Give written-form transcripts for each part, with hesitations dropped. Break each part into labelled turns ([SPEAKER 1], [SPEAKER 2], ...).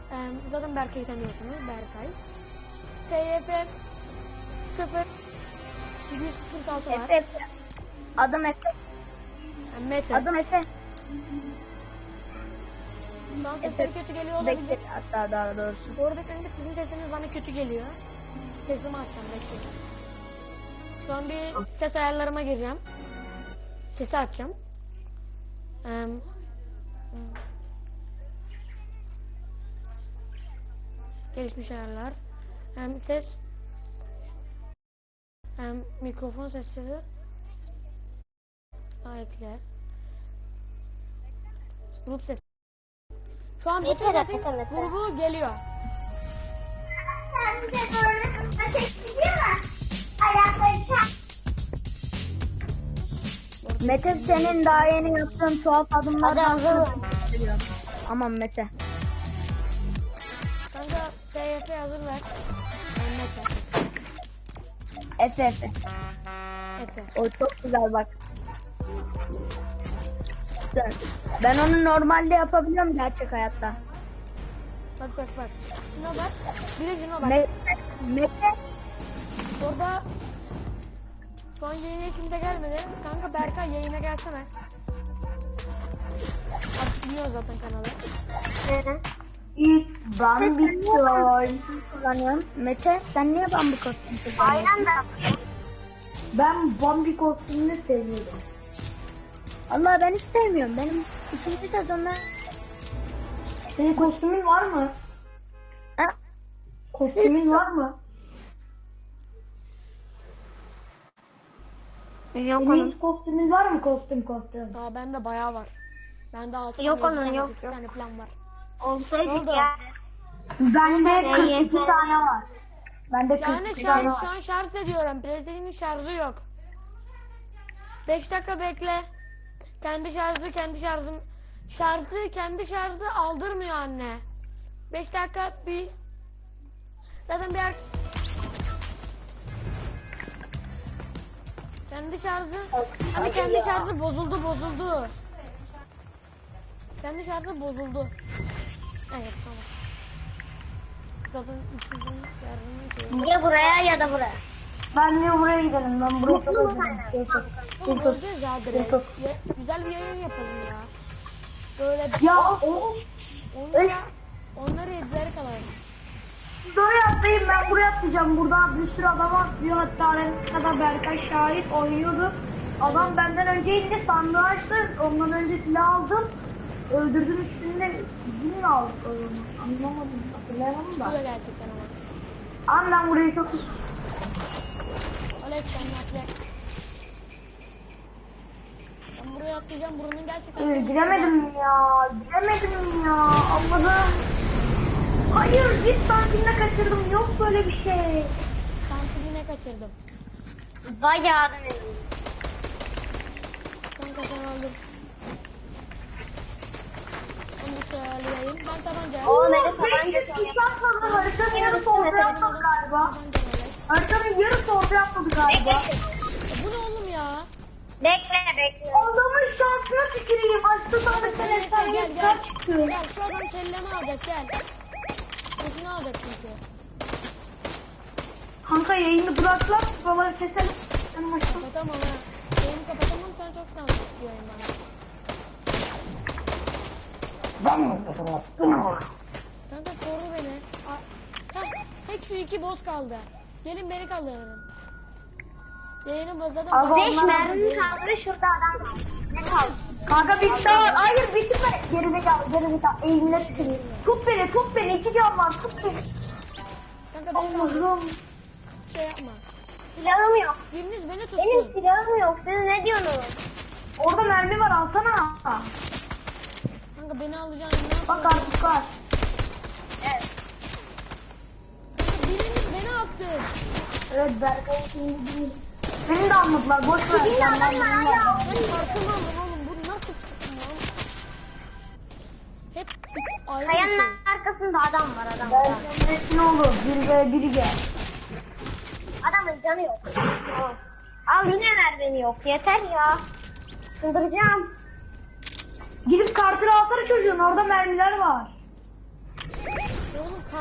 [SPEAKER 1] Zaten Berkay'ı tanıyorsunuz. Berkay. TYF 0 146 var.
[SPEAKER 2] Efe. Adım Efe.
[SPEAKER 1] Mete.
[SPEAKER 2] Adım Efe.
[SPEAKER 1] Şu an sesleri kötü geliyor olabilir.
[SPEAKER 2] Bekle hatta daha doğrusu.
[SPEAKER 1] Bu arada kanka sizin sesiniz bana kötü geliyor. Sesimi açacağım, bekleyin. Şu an bir ses ayarlarıma gireceğim. Sesi açacağım. Gelişmiş ayarlar. Ses. Mikrofon sesleri. Ekle. Grup sesi. Şu an bütün sesin grubu geliyor.
[SPEAKER 3] Sen bize doğru çekiyor mu? Ayakları çak.
[SPEAKER 2] Mete senin daha yeni yaptığın tuhaf adımlardan sonra. Aman Mete.
[SPEAKER 1] Kanka TYF hazır ver. Mete.
[SPEAKER 2] Efe.
[SPEAKER 1] Efe.
[SPEAKER 2] O çok güzel bak. Güzel. Ben onu normalde yapabiliyorum gerçek hayatta.
[SPEAKER 1] Bak. Şuna bak. Bir de şuna bak.
[SPEAKER 2] Mete.
[SPEAKER 1] Orada şu an yayına kimse gelmedi. Kanka Berkay yayına gelsene. Artık biliyor zaten kanalı.
[SPEAKER 2] İlk Bambi kullanıyorum. Mete sen niye Bambi kostümü kullanıyorsun?
[SPEAKER 3] Aynen de.
[SPEAKER 2] Ben Bambi kostümünü seviyorum. Allah ben hiç sevmiyorum. Benim ikinci sezonda... Senin kostümün var mı? Ha? Kostümün var mı?
[SPEAKER 3] Yok
[SPEAKER 2] Senin hiç kostümün var mı? Kostüm.
[SPEAKER 1] Aa bende bayağı var. Bende 6
[SPEAKER 3] Yok
[SPEAKER 1] tane,
[SPEAKER 3] onun,
[SPEAKER 1] 7 tane,
[SPEAKER 3] yok,
[SPEAKER 1] 8
[SPEAKER 3] yok.
[SPEAKER 1] tane falan var.
[SPEAKER 3] Olsaydı
[SPEAKER 1] Oldu.
[SPEAKER 3] ya.
[SPEAKER 2] Bende 42 tane var. Bende
[SPEAKER 1] Yani
[SPEAKER 2] 42
[SPEAKER 1] şu
[SPEAKER 2] tane
[SPEAKER 1] an
[SPEAKER 2] var.
[SPEAKER 1] şarj ediyorum. PlayStation'ın şarjı yok. 5 dakika bekle. Kendi şarjı aldırmıyor anne. 5 dakika bir zaten bir kendi şarjı bozuldu. Kendi şarjı bozuldu. Evet tamam. Zaten üçüncünün şarjını
[SPEAKER 3] Ya buraya ya da buraya.
[SPEAKER 2] Ben de buraya gidelim. Ben buraya
[SPEAKER 1] Oğlum öleceğiz ya direkt. Güzel bir yayın yapalım ya. Böyle
[SPEAKER 2] Ya
[SPEAKER 1] onları izleri kalalım.
[SPEAKER 2] siz oraya atlayın, ben buraya atlayacağım. Burada bir sürü adam atlıyor. Hatta aramızda Berkay şahit oynuyordu. Adam benden önce indi, sandığı açtı. Ondan önce silah aldım. Öldürdüm ikisini de bizim mi aldık onu? Anlamadım, hatırlayamadım
[SPEAKER 1] Tutuyor
[SPEAKER 2] da.
[SPEAKER 1] gerçekten ama.
[SPEAKER 2] Ama ben burayı çok...
[SPEAKER 1] Alex sen atla. Ben buraya atlayacağım. Buranın gerçekten...
[SPEAKER 2] Giremedim ya. Allah'ım. Hayır, git santimle kaçırdım. Yok böyle bir şey.
[SPEAKER 1] Santimine kaçırdım.
[SPEAKER 3] Bayağı da eminim.
[SPEAKER 1] Kanka sen öldür. Onu bir şey ayarlayayım. Ben tabanca.
[SPEAKER 3] Oğlum beni tabanca
[SPEAKER 2] Hiç atmadı. Haritanın yarısı ortaya atmadı galiba. Haritanın yarısı ortaya atmadı galiba.
[SPEAKER 1] Bu ne oğlum ya?
[SPEAKER 3] Bekle.
[SPEAKER 2] Adamın şansına tüküreyim. Açtı sana sen
[SPEAKER 1] Gel.
[SPEAKER 2] çıkıyor.
[SPEAKER 1] Gel şu adam kellemi alacak gel. Sesini alacak çünkü.
[SPEAKER 2] Kanka yayını bıraklar. Babaları keselim. Benim açtım.
[SPEAKER 1] Kapatamam ha. Yayını kapatamam sen çok şanslı yayın bana. Kanka koru beni. Tek şu 2 boss kaldı. Gelin beni kaldırın. Yayını bazadım.
[SPEAKER 2] Abi,
[SPEAKER 3] 5 mermi kaldı ve şurada adam var. Ne kaldı?
[SPEAKER 2] Kanka bitti. Hayır bitirme. Gerizekalı. Eğimine tüküreyim. Tut beni. 2 can var. Tut beni.
[SPEAKER 1] Kanka beni kaldır.
[SPEAKER 2] Allah'ım.
[SPEAKER 1] Şey yapma.
[SPEAKER 3] Silahım yok.
[SPEAKER 1] Biriniz beni tutsun.
[SPEAKER 3] Benim silahım yok. Siz ne diyorsunuz?
[SPEAKER 2] Orada mermi var, alsana.
[SPEAKER 1] Kanka beni alacaksın. Ne
[SPEAKER 2] Bak
[SPEAKER 1] yapıyorsun?
[SPEAKER 2] artık var.
[SPEAKER 3] Evet.
[SPEAKER 1] Kanka biriniz beni attı.
[SPEAKER 2] Evet Berkay şimdi değil. Beni de almadılar, boş ver.
[SPEAKER 3] Şimdi adam var hala.
[SPEAKER 1] Ben farkında oğlum bu nasıl tuttum lan? Hep ayrı bir şey.
[SPEAKER 3] Kayanın arkasında adam var.
[SPEAKER 2] Ne olur, biri gel.
[SPEAKER 3] Adamın canı yok. Al yine mermini yok. Yeter ya. Çıldıracağım.
[SPEAKER 2] Gidip kartını alsana çocuğun, orada mermiler var.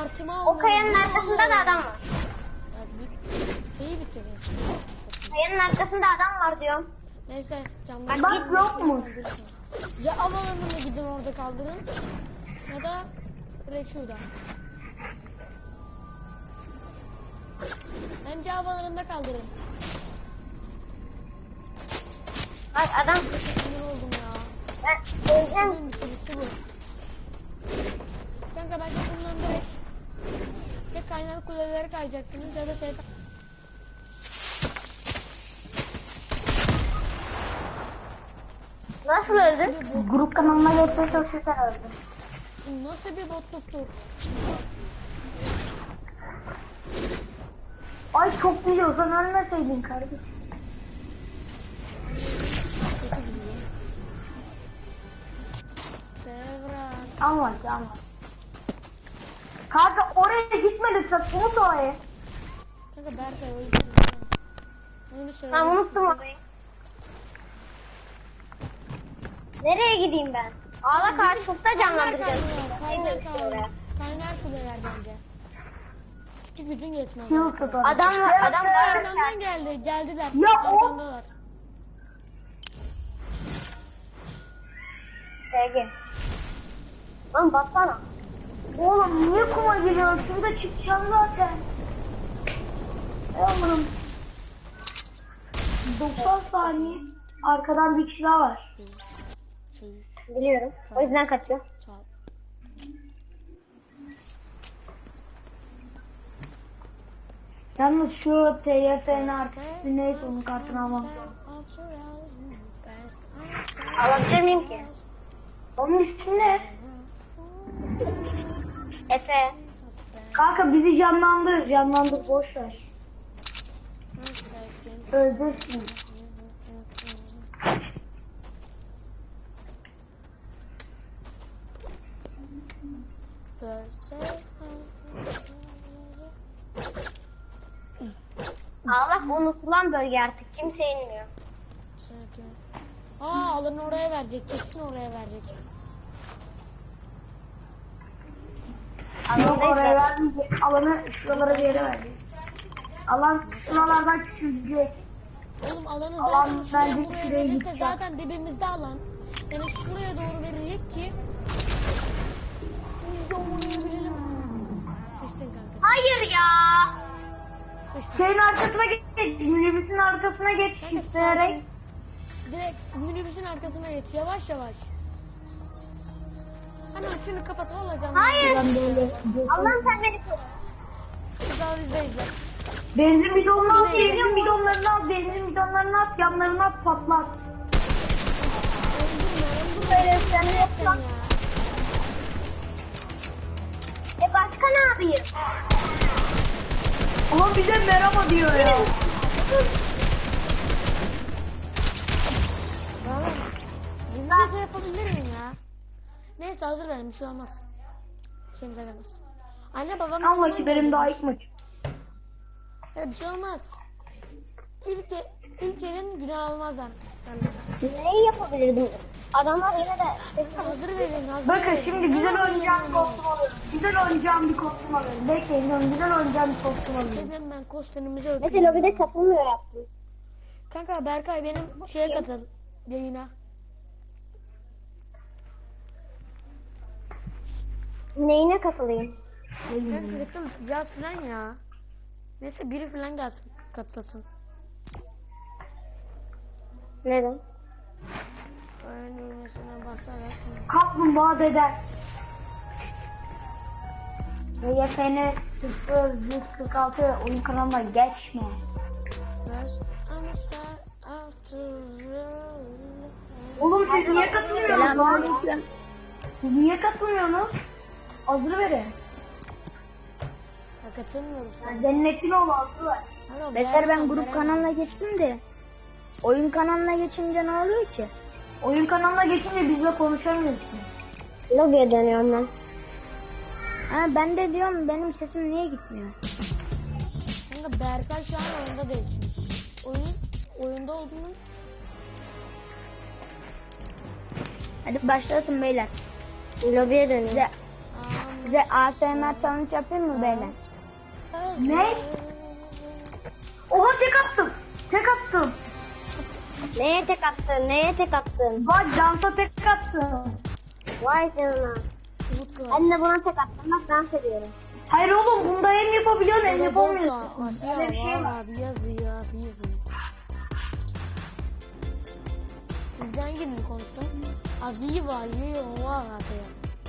[SPEAKER 1] kartımı aldım.
[SPEAKER 3] O kayanın arkasında da adam var.
[SPEAKER 1] Şeyi bitirin.
[SPEAKER 3] Kayanın arkasında adam var diyorum.
[SPEAKER 1] Neyse camları.
[SPEAKER 2] Bak yok mu?
[SPEAKER 1] Ya havalarına gidin orada kaldırın. Ya da direkt şurada. Bence havalarında kaldırın.
[SPEAKER 3] Bak adam.
[SPEAKER 1] Sinir oldum ya.
[SPEAKER 3] Ben öleceğim.
[SPEAKER 1] Bugün bitirisi bu. Kanka bence bundan direkt tek kaynak kulelere kayacaksınız ya da şey...
[SPEAKER 3] Nasıl öldün?
[SPEAKER 2] Grup kanalına geçmeye çalışırken öldüm.
[SPEAKER 1] Nasıl bir botluktur?
[SPEAKER 2] Ay çok biliyorsan ölmeseydin kardeşim.
[SPEAKER 1] Kötü gidiyor. Devran.
[SPEAKER 2] Anlat anlat. Kanka oraya gitme lütfen. Unut orayı.
[SPEAKER 1] Kanka Berkay o yüzden. Onu söyle.
[SPEAKER 3] Tamam unuttum orayı. Nereye gideyim ben? Ağla karşılıkta canlandıracağız.
[SPEAKER 1] Kaynar kuleler bence. Çünkü gücün yetmez.
[SPEAKER 2] Yıl kadar.
[SPEAKER 3] Adam var
[SPEAKER 1] Arkamdan geldi. Geldiler.
[SPEAKER 2] Ya o-
[SPEAKER 1] Arkamdalar.
[SPEAKER 3] Sevgi. Lan baksana.
[SPEAKER 2] Oğlum niye kuma geliyor? Şurada çıkacağım zaten. Oğlum. 90 saniye. Arkadan bir kişi daha var.
[SPEAKER 3] Biliyorum. O yüzden kaçıyor.
[SPEAKER 1] Çal.
[SPEAKER 2] Yalnız şu TYF'nin arkası neyse onun kartını almam lazım.
[SPEAKER 3] Alabilir miyim ki?
[SPEAKER 2] Onun ismi ne?
[SPEAKER 3] Efe.
[SPEAKER 2] Kanka bizi canlandır. Canlandır boş ver. Öldürsün.
[SPEAKER 3] Ağlak unutulan bölge artık. Kimse inmiyor.
[SPEAKER 1] Alanı oraya verecek. Kesin oraya verecek.
[SPEAKER 2] Yok oraya vermeyecek. Alanı şuralara bir yere verecek. Alan şuralardan küçülecek.
[SPEAKER 1] Oğlum alanı
[SPEAKER 2] Alan
[SPEAKER 1] zaten şuraya
[SPEAKER 2] bence
[SPEAKER 1] buraya
[SPEAKER 2] şuraya
[SPEAKER 1] verirse
[SPEAKER 2] gidecek.
[SPEAKER 1] zaten dibimizde alan. Yani şuraya doğru verecek ki biz de oynayabilirim. Sıçtın kanka.
[SPEAKER 3] Hayır ya.
[SPEAKER 1] Sıçtın.
[SPEAKER 2] Şeyin arkasına geç. Minibüsün arkasına geç.
[SPEAKER 1] Kanka,
[SPEAKER 2] Şifreleyerek.
[SPEAKER 1] Direkt minibüsün arkasına geç. Yavaş yavaş. Hemen şunu kapat alacağım.
[SPEAKER 3] Hayır.
[SPEAKER 2] Ben böyle.
[SPEAKER 3] Allah'ım sen beni koru.
[SPEAKER 1] Daha bizdeyiz.
[SPEAKER 2] Benzin bidonunu al. Benzin bidonlarını al. Benzin bidonlarını at. Yanlarına at patlat.
[SPEAKER 3] Böyle sen ne yapıyorsun?
[SPEAKER 1] Ya.
[SPEAKER 3] Başka ne yapayım?
[SPEAKER 2] Ama bize merhaba diyor ya.
[SPEAKER 1] Oğlum, gizli şey yapabilir miyim ya? Neyse hazır verin, bir şey olmaz. Şeyimize gelmez. Anne babam...
[SPEAKER 2] Allah ki benim daha ilk maç.
[SPEAKER 1] Ya bir şey olmaz. İlk elin günah almazlar.
[SPEAKER 3] Neyi yapabilirdim? Adamlar yine de...
[SPEAKER 1] Hazır verin, hazır
[SPEAKER 2] Bakın
[SPEAKER 1] verin.
[SPEAKER 2] şimdi güzel oynayacağım bir kostüm alıyorum. Güzel oynayacağım bir kostüm alıyorum. Bekleyin oğlum, güzel oynayacağım bir kostüm alıyorum.
[SPEAKER 1] Dedim ben kostümümüzü öpeyim.
[SPEAKER 3] Mesela lobide katılmıyor yaptım.
[SPEAKER 1] Kanka Berkay benim şeye katıl. Yayına.
[SPEAKER 3] Neyine katılayım?
[SPEAKER 1] Kanka katıl yaz falan ya. Neyse biri falan gelsin katılsın.
[SPEAKER 3] Neden?
[SPEAKER 1] Öyle düğmesine basarak.
[SPEAKER 2] Kaplumbağa deder. YFN 0146 oyun kanalına geçme. Oğlum siz niye katılmıyorsunuz lan? Siz niye katılmıyorsunuz? Hazır verin.
[SPEAKER 1] Ya katılmıyoruz.
[SPEAKER 2] Cennetin oğlu hazır ver.
[SPEAKER 1] Beter ben grup kanalına
[SPEAKER 3] geçtim de. Oyun kanalına geçince ne oluyor ki?
[SPEAKER 2] Oyun kanalına geçince bizle konuşamıyoruz ki.
[SPEAKER 3] Lobiye dönüyorum ben. Ha ben de diyorum benim sesim niye gitmiyor?
[SPEAKER 1] Kanka Berkay şu an oyunda değil çünkü. Oyunda olduğunu
[SPEAKER 3] Hadi başlasın beyler. Lobiye dönüyor.
[SPEAKER 1] Aman
[SPEAKER 3] Size ASMR challenge yapayım mı beyler?
[SPEAKER 2] Ne? Oha tek attım. Tek attım.
[SPEAKER 3] Neye tek attın? Neye tek attın?
[SPEAKER 2] Bak dansa tek attım.
[SPEAKER 3] Vay canına. Ben de buna tek attım. Bak dans ediyorum.
[SPEAKER 2] Hayır oğlum bunda hem yapabiliyorsun hem yapamıyorsun.
[SPEAKER 1] Aşağı
[SPEAKER 2] Öyle bir şey var.
[SPEAKER 1] abi yazıyor. Sizce hanginin konuştu? Azı var, yiyor var abi.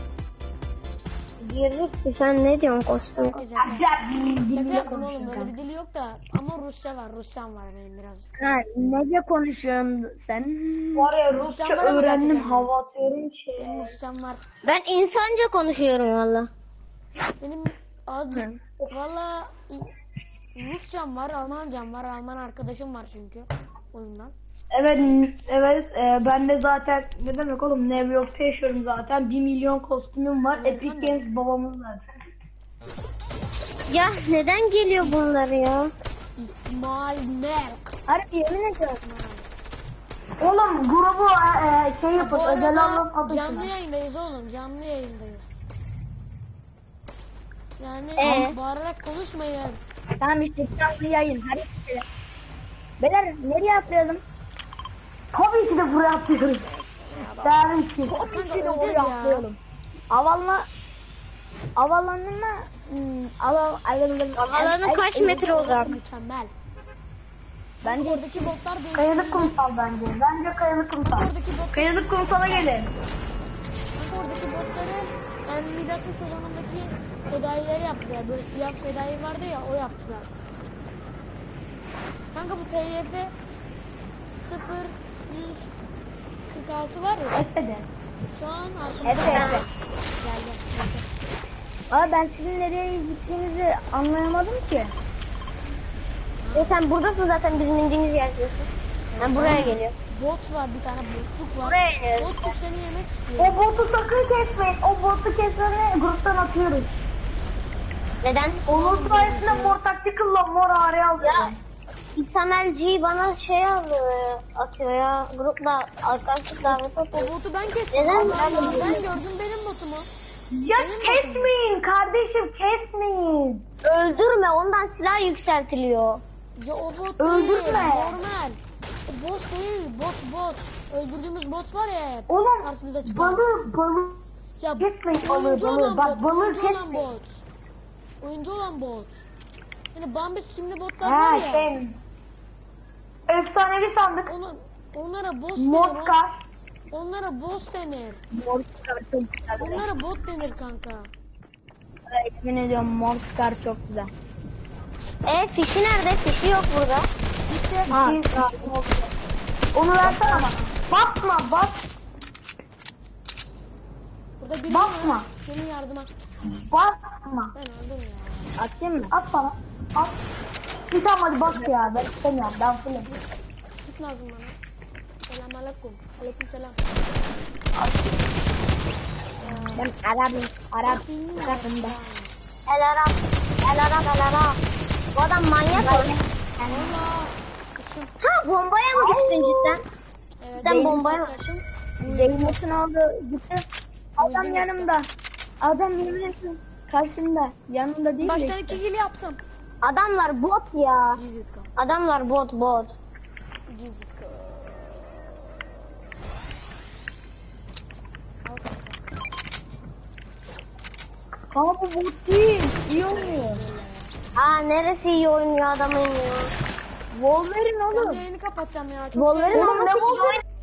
[SPEAKER 3] Girdik ki sen ne diyorsun kostüm?
[SPEAKER 1] Şaka yaptım oğlum, böyle bir dili yok da ama Rusçam var benim birazcık.
[SPEAKER 3] Ha, nece konuşuyorsun sen?
[SPEAKER 2] Var ya Rusça
[SPEAKER 1] Rusçam var ama
[SPEAKER 2] öğrendim
[SPEAKER 1] gerçekten.
[SPEAKER 2] hava atıyorum
[SPEAKER 1] Benim Rusçam var.
[SPEAKER 3] Ben insanca konuşuyorum valla.
[SPEAKER 1] Benim valla Rusçam var, Almancam var, Alman arkadaşım var çünkü oyundan.
[SPEAKER 2] Evet ben de zaten ne demek oğlum New York'ta yaşıyorum zaten 1 milyon kostümüm var. Epic Games babamız var.
[SPEAKER 3] Ya neden geliyor bunlar ya?
[SPEAKER 1] İsmail Merk.
[SPEAKER 3] Harbi yemin ediyorum.
[SPEAKER 2] Oğlum grubu şey
[SPEAKER 1] Bu
[SPEAKER 2] yapın özel anlam
[SPEAKER 1] arada
[SPEAKER 2] adı
[SPEAKER 1] canlı
[SPEAKER 2] şuna.
[SPEAKER 1] yayındayız oğlum, canlı yayındayız. Yani bağırarak konuşmayın.
[SPEAKER 3] Tamam işte canlı yayın. Hadi gidelim. Beyler nereye atlayalım?
[SPEAKER 2] Tabii ki de buraya atlıyoruz. Tabii ki.
[SPEAKER 1] Kanka öleceğiz ya.
[SPEAKER 3] Alanı kaç metre uzak?
[SPEAKER 1] Mükemmel.
[SPEAKER 3] Bence
[SPEAKER 1] Oradaki botlar değil.
[SPEAKER 2] Kayalık kumsal bence. Bence kayalık kumsal.
[SPEAKER 1] Oradaki bot,
[SPEAKER 2] Kayalık kumsala gelin.
[SPEAKER 1] oradaki botları yani Midas'ın sezonundaki fedaileri yaptılar. Böyle siyah fedai vardı ya, o yaptılar. Kanka bu TYF 0146 var ya.
[SPEAKER 2] Etmedi.
[SPEAKER 1] Şu an arkamda
[SPEAKER 3] Evet.
[SPEAKER 1] geldi.
[SPEAKER 3] Abi ben sizin nereye gittiğinizi anlayamadım ki. Sen buradasın zaten bizim indiğimiz yerdesin. Ben buraya geliyorum.
[SPEAKER 1] Bot var, bir tane botluk var.
[SPEAKER 3] Buraya iniyoruz.
[SPEAKER 1] Botluk seni yemek istiyor.
[SPEAKER 2] O botu sakın kesmeyin. O botu kesmeni gruptan atıyoruz.
[SPEAKER 3] Neden?
[SPEAKER 2] Onun sayesinde mor taktikalla mor ağrıya aldı.
[SPEAKER 3] Ya İsamelci bana şey atıyor ya. Grupla arkadaşlık davet
[SPEAKER 1] O
[SPEAKER 3] atıyor.
[SPEAKER 1] botu ben kestim.
[SPEAKER 3] Neden?
[SPEAKER 1] Allah Allah, ben gördüm benim botumu.
[SPEAKER 2] Ya kesmeyin kardeşim kesmeyin.
[SPEAKER 3] Öldürme ondan silah yükseltiliyor.
[SPEAKER 1] Ya o bot
[SPEAKER 2] Öldürme.
[SPEAKER 1] değil, normal. O bot değil, bot. Öldürdüğümüz bot var ya,
[SPEAKER 2] Oğlum
[SPEAKER 1] karşımıza çıkan.
[SPEAKER 2] balığı
[SPEAKER 1] Ya
[SPEAKER 2] kesmeyin
[SPEAKER 1] oyuncu
[SPEAKER 2] balığı.
[SPEAKER 1] olan
[SPEAKER 2] Bak
[SPEAKER 1] bot,
[SPEAKER 2] balığı
[SPEAKER 1] oyuncu olan
[SPEAKER 2] kesmeyin.
[SPEAKER 1] bot. Oyuncu olan bot. Yani Bambi skimli botlar var
[SPEAKER 2] Ha
[SPEAKER 1] ya.
[SPEAKER 2] şey. Efsanevi sandık.
[SPEAKER 1] Onlara boss denir.
[SPEAKER 2] Moskar.
[SPEAKER 1] Onlara boss denir.
[SPEAKER 3] Morskar çok güzel.
[SPEAKER 1] Onlara bot denir kanka.
[SPEAKER 3] Emin ediyorum Morskar çok güzel. Fişi nerede? Fişi yok burada.
[SPEAKER 2] Ha. Onu versene bana. Basma.
[SPEAKER 1] Burada biri
[SPEAKER 2] Bakma.
[SPEAKER 1] var. Senin yardıma.
[SPEAKER 2] Basma.
[SPEAKER 1] Ben öldüm ya.
[SPEAKER 3] Atayım mı?
[SPEAKER 2] At bana. At. Bir tamam hadi bas ya. Ben istemiyorum. Ben fullüm.
[SPEAKER 1] Git lazım bana. Selamünaleyküm. Aleykümselam.
[SPEAKER 3] Ben Arap'ım. Arap'ım da. El Arap. Bu adam manyak mı?
[SPEAKER 1] Allah.
[SPEAKER 3] Ha bombaya mı düştün cidden?
[SPEAKER 1] Evet,
[SPEAKER 3] Sen
[SPEAKER 1] benim
[SPEAKER 3] bombaya-
[SPEAKER 1] kaçarsın.
[SPEAKER 3] Zeynep'in oldu gitti. Adam yanımda. Adam yemin karşımda. Yanımda değil
[SPEAKER 1] Baştan
[SPEAKER 3] de
[SPEAKER 1] 2
[SPEAKER 3] işte.
[SPEAKER 1] kill yaptım.
[SPEAKER 3] Adamlar bot ya.
[SPEAKER 1] Cizitka.
[SPEAKER 3] Adamlar bot.
[SPEAKER 1] Cizitka.
[SPEAKER 2] Ama bu bot değil. İyi oynuyor.
[SPEAKER 3] Neresi iyi oynuyor adamın ya.
[SPEAKER 2] Wolverine
[SPEAKER 1] Ben
[SPEAKER 2] oğlum.
[SPEAKER 1] yayını kapatacağım ya. Çok
[SPEAKER 3] Wolverine
[SPEAKER 2] Oğlum,
[SPEAKER 3] olması
[SPEAKER 2] ne
[SPEAKER 3] iyi
[SPEAKER 2] Wolverine?
[SPEAKER 3] oynuyor.